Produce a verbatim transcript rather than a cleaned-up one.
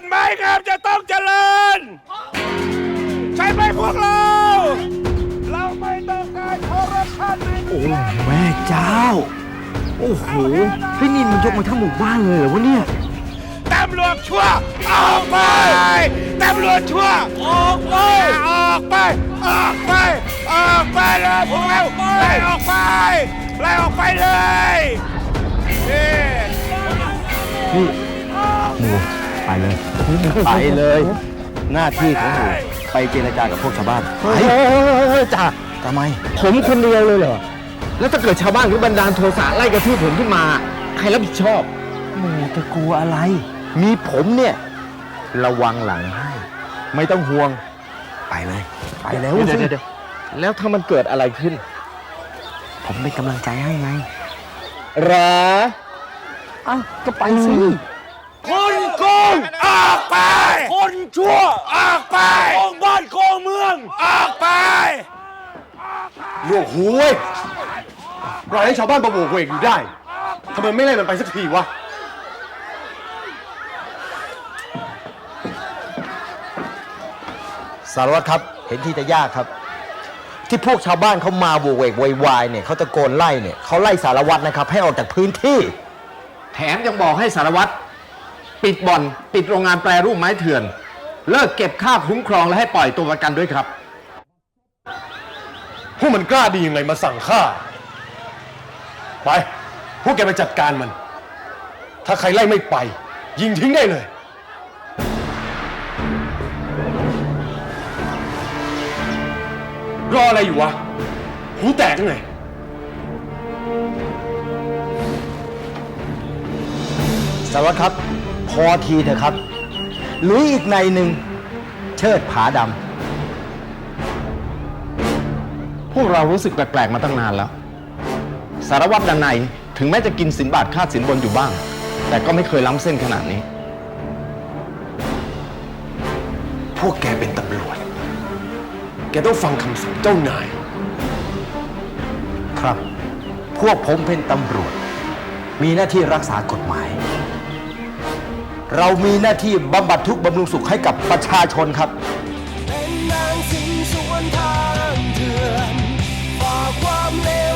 านไม้งามจะต้องเจริญใช่ไหมพวกเรา เราไม่ต้องการคอร์รัปชันในโอ้แม่เจ้าโอ้โหพี่นินมันยกมาทั้งหมู่บ้านเลยเหรอวะเนี่ยตำรวจชั่วออกไปตำรวจชั่วออกไปออกไปออกไปออกไปเลยพวกเราไล่ออกไปไล่ออกไปเลยนี่นี่หมูไปเลยไปเลย หน้าที่ของหมูไปเจรจากับพวกชาวบ้านไปจ่าทำไมผมคนเดียวเลยเหรอแล้วถ้าเกิดชาวบ้านหรือบันดาลโทสะไล่กระทืบผมขึ้นมาใครรับผิดชอบหมูจะกลัวอะไรมีผมเนี่ยระวังหลังให้ไม่ต้องห่วงไปเลยไปแล้วเดี๋ยวเดี๋ยวแล้วถ้ามันเกิดอะไรขึ้นผมเป็นกำลังใจให้ไงหรออ้าวก็ไปสิคนโกงออกไปคนชั่วออกไปโกงบ้านโกงเมืองออกไปหยวกหูเว้ยปล่อยให้ชาวบ้านประโวกเวกอยู่ได้ทำไมไม่ไล่มันไปสักทีวะสารวัตรครับเห็นที่จะยากครับที่พวกชาวบ้านเขามาโวกเวกวยวายเนี่ยเขาตะโกนไล่เนี่ยเขาไล่สารวัตรนะครับให้ออกจากพื้นที่แถมยังบอกให้สารวัตรปิดบ่อนปิดโรงงานแปรรูปไม้เถื่อนเลิกเก็บค่าคุ้มครองและให้ปล่อยตัวประกันด้วยครับพวกมันกล้าดียังไงมาสั่งฆ่าไปพวกแกไปจัดการมันถ้าใครไล่ไม่ไปยิงทิ้งได้เลยรออะไรอยู่วะหูแตกไงสารวัตรครับพอทีเถอะครับหรืออีกในหนึ่งเชิดผาดำพวกเรารู้สึกแปลกๆมาตั้งนานแล้วสารวัตรดันในถึงแม้จะกินสินบาทค่าสินบนอยู่บ้างแต่ก็ไม่เคยล้ำเส้นขนาดนี้พวกแกเป็นตำรวจแกต้องฟังคำสั่งเจ้านายครับพวกผมเป็นตำรวจมีหน้าที่รักษากฎหมายเรามีหน้าที่บำบัดทุกข์บำรุงสุขให้กับประชาชนครับเป็นนางสิงสวนทางเถื่อนฝ่าความเลว